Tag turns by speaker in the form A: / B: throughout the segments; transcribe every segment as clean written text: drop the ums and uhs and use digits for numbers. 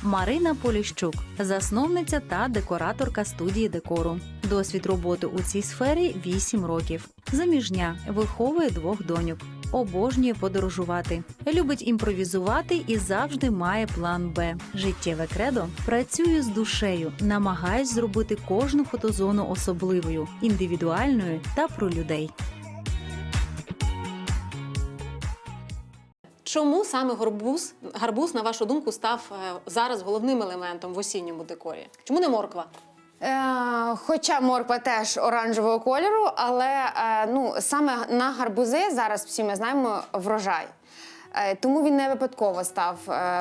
A: Марина Поліщук – засновниця та декораторка студії декору. Досвід роботи у цій сфері – 8 років. Заміжня, виховує 2 доньок. Обожнює подорожувати. Любить імпровізувати і завжди має план «Б». Життєве кредо – працюю з душею, намагаюсь зробити кожну фотозону особливою, індивідуальною та про людей.
B: Чому саме гарбуз, на вашу думку, став зараз головним елементом в осінньому декорі? Чому не морква?
C: Хоча морква теж оранжевого кольору, але саме на гарбузи зараз всі ми знаємо врожай. Тому він не випадково став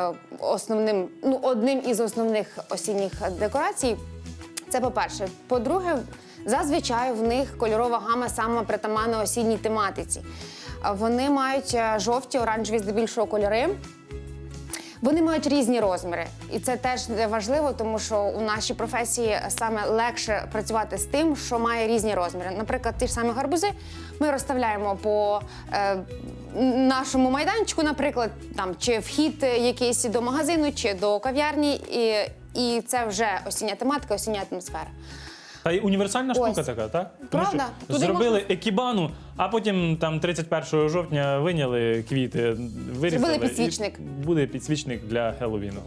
C: одним із основних осінніх декорацій. Це по-перше. По-друге, зазвичай в них кольорова гама саме притаманна осінній тематиці. Вони мають жовті, оранжеві здебільшого кольори. Вони мають різні розміри. І це теж важливо, тому що у нашій професії саме легше працювати з тим, що має різні розміри. Наприклад, ті ж самі гарбузи ми розставляємо по нашому майданчику, наприклад, там, чи вхід якийсь до магазину, чи до кав'ярні. І це вже осіння тематика, осіння атмосфера.
D: Та й універсальна штука така, так? Тому
C: Правда.
D: що зробили екібану, а потім там 31 жовтня виняли квіти, вирізали.
C: Зробили підсвічник.
D: І буде підсвічник для Хеллоуіну.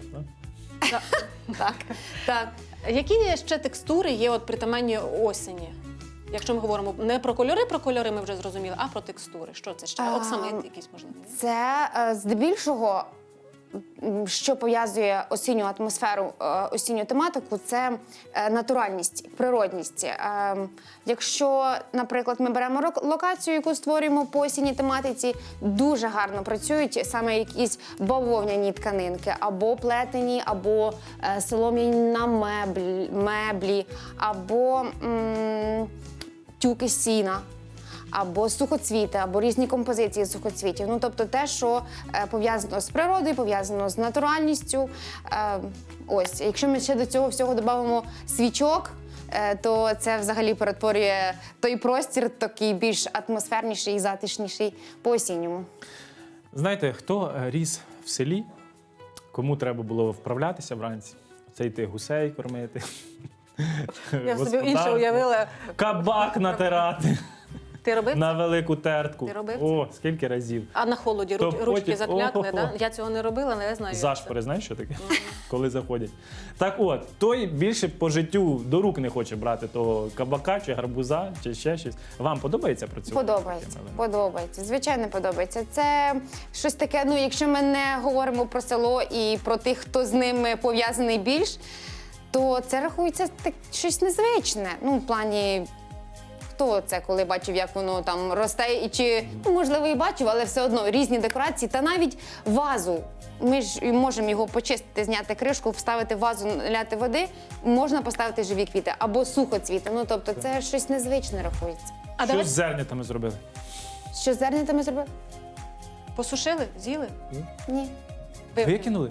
C: Так.
B: Які ще текстури є притаманні осені? Якщо ми говоримо не про кольори ми вже зрозуміли, а про текстури. Що це ще? Оксамит якийсь, можливо?
C: Це здебільшого, що пов'язує осінню атмосферу, осінню тематику, це натуральність, природність. Якщо, наприклад, ми беремо локацію, яку створюємо по осінній тематиці, дуже гарно працюють саме якісь бавовняні тканинки, або плетені, або солом'яні меблі, або тюки з сіна, або сухоцвіти, або різні композиції сухоцвітів. Ну, тобто те, що пов'язано з природою, пов'язано з натуральністю. Ось, якщо ми ще до цього всього додамо свічок, то це взагалі перетворює той простір такий більш атмосферніший і затишніший по-осінньому.
D: Знаєте, хто ріс в селі, кому треба було вправлятися вранці? Це йти гусей кормити.
B: Я собі інше уявила.
D: Кабак натирати.
B: Ти робив
D: на
B: це?
D: велику тертку.
B: Ти робив
D: О, скільки разів.
B: А на холоді ручки заклякли, да? Я цього не робила, але я знаю.
D: Зашпори, знаєш, що таке? Коли заходять. Так от, той більше по життю до рук не хоче брати того кабака, чи гарбуза, чи ще щось. Вам подобається працювати?
C: Подобається. Звичайно, подобається. Це щось таке, якщо ми не говоримо про село і про тих, хто з ними пов'язаний більш, то це рахується щось незвичне. В плані, хто це, коли бачив, як воно там росте, і чи, можливо, і бачив, але все одно різні декорації, та навіть вазу. Ми ж можемо його почистити, зняти кришку, вставити в вазу, ляти води, можна поставити живі квіти або сухоцвіти. Тобто це щось незвичне рахується.
D: Що з зернятами зробили?
C: Що з зернятами зробили?
B: Посушили? З'їли?
C: Ні.
D: Викинули?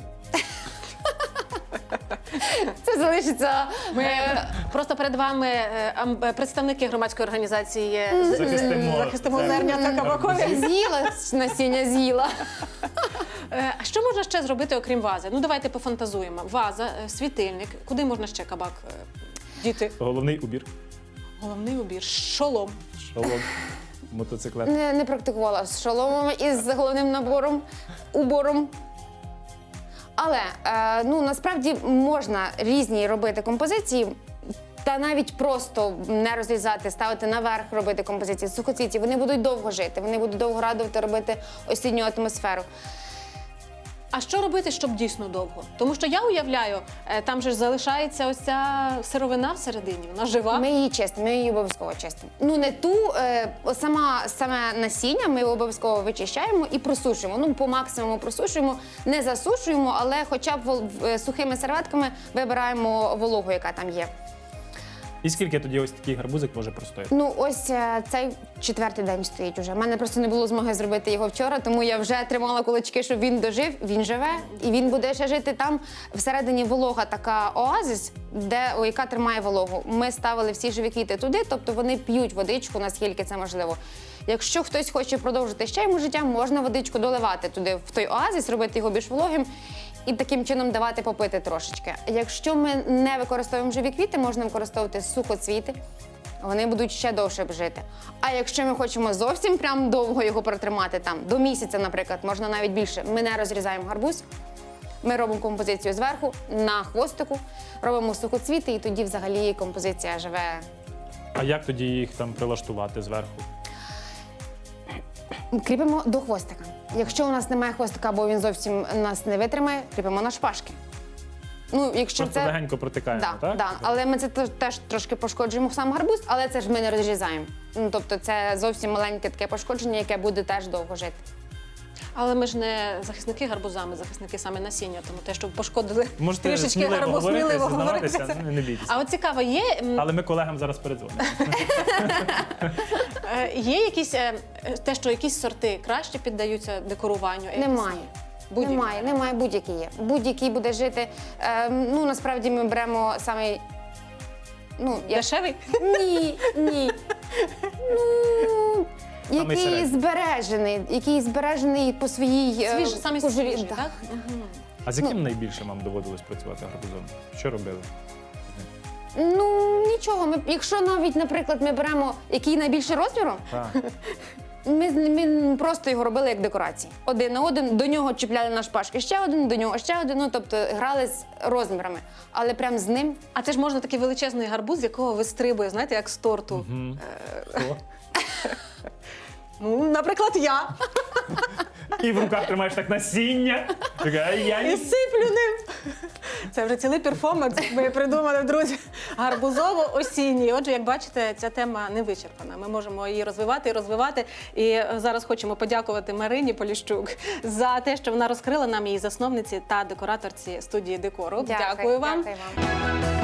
C: Це залишиться...
B: Просто перед вами представники громадської організації
D: «Захистимо
B: зернята кабакові.
C: З'їла, насіння з'їла.
B: А що можна ще зробити, окрім вази? Давайте пофантазуємо. Ваза, світильник. Куди можна ще кабак діти?
D: Головний убір.
B: Головний убір. Шолом.
D: Шолом. Мотоциклет.
C: Не практикувала з шоломом і з головним убором. Але, насправді, можна різні робити композиції, та навіть просто не розрізати, ставити наверх, робити композиції з сухоцвітів. Вони будуть довго жити, вони будуть довго радувати робити осінню атмосферу.
B: А що робити, щоб дійсно довго? Тому що я уявляю, там же ж залишається ось ця сировина всередині, вона жива.
C: Ми її чистимо, ми її обов'язково чистимо. Не ту, саме насіння ми обов'язково вичищаємо і просушуємо. По максимуму просушуємо, не засушуємо, але хоча б сухими серветками вибираємо вологу, яка там є.
D: І скільки тоді ось такий гарбузик може простояти?
C: Ось цей 4-й день стоїть уже. У мене просто не було змоги зробити його вчора, тому я вже тримала кулачки, щоб він дожив. Він живе, і він буде ще жити там. Всередині волога така оазис, яка тримає вологу. Ми ставили всі живі квіти туди, тобто вони п'ють водичку, наскільки це можливо. Якщо хтось хоче продовжити ще йому життя, можна водичку доливати туди, в той оазис, робити його більш вологим. і таким чином давати попити трошечки. Якщо ми не використовуємо живі квіти, можна використовувати сухоцвіти. Вони будуть ще довше жити. А якщо ми хочемо зовсім прям довго його протримати, там до місяця, наприклад, можна навіть більше, ми не розрізаємо гарбуз, ми робимо композицію зверху, на хвостику, робимо сухоцвіти, і тоді взагалі композиція живе.
D: А як тоді їх там прилаштувати зверху?
C: Кріпимо до хвостика. Якщо у нас немає хвостика, або він зовсім нас не витримає, кріпимо на шпажки. Ну, якщо
D: Просто легенько протикаємо,
C: Да,
D: так?
C: да. Але ми це теж трошки пошкоджуємо сам гарбуз, але це ж ми не розрізаємо. Ну, тобто це зовсім маленьке таке пошкодження, яке буде теж довго жити.
B: Але ми ж не захисники гарбуза, ми захисники саме насіння, тому те, що пошкодили
D: Можете
B: трішечки
D: сміливо
B: гарбуз,
D: говорити,
B: сміливо
D: зізнаватися,
B: говорити.
D: не бійтеся.
B: А от цікаво,
D: Але ми колегам зараз передзвонимо.
B: є якісь, те, що якісь сорти краще піддаються декоруванню?
C: Немає.
B: Будь-які?
C: Немає, будь-який є. Будь-який буде жити. Ну, насправді ми беремо самий. Ну,
B: Дешевий?
C: Ні. Ну,
D: Самий
C: який збережений по своїй
B: Самі
C: кожурі.
B: свіжі,
C: Да.
B: так?
D: А з яким найбільше вам доводилось працювати гарбузом? Що робили?
C: Ну, нічого. Якщо навіть, наприклад, ми беремо який найбільше розміру,
D: Так.
C: ми просто його робили як декорації. Один на один, до нього чіпляли на шпажки ще один, до нього ще один, ну, тобто грали з розмірами. Але прям з ним
B: А це ж можна такий величезний гарбуз, з якого вистрибує, знаєте, як з торту.
D: Хто?
B: Ну, наприклад, я.
D: І в руках тримаєш так насіння. Така, я
B: І
D: не...
B: сиплю ним. Це вже цілий перформанс, ми придумали, друзі. Гарбузово-осінній. Отже, як бачите, ця тема не вичерпана. Ми можемо її розвивати і розвивати. І зараз хочемо подякувати Марині Поліщук за те, що вона розкрила нам, її засновниці та декораторці студії декору. Дякую вам.
C: Дякую вам.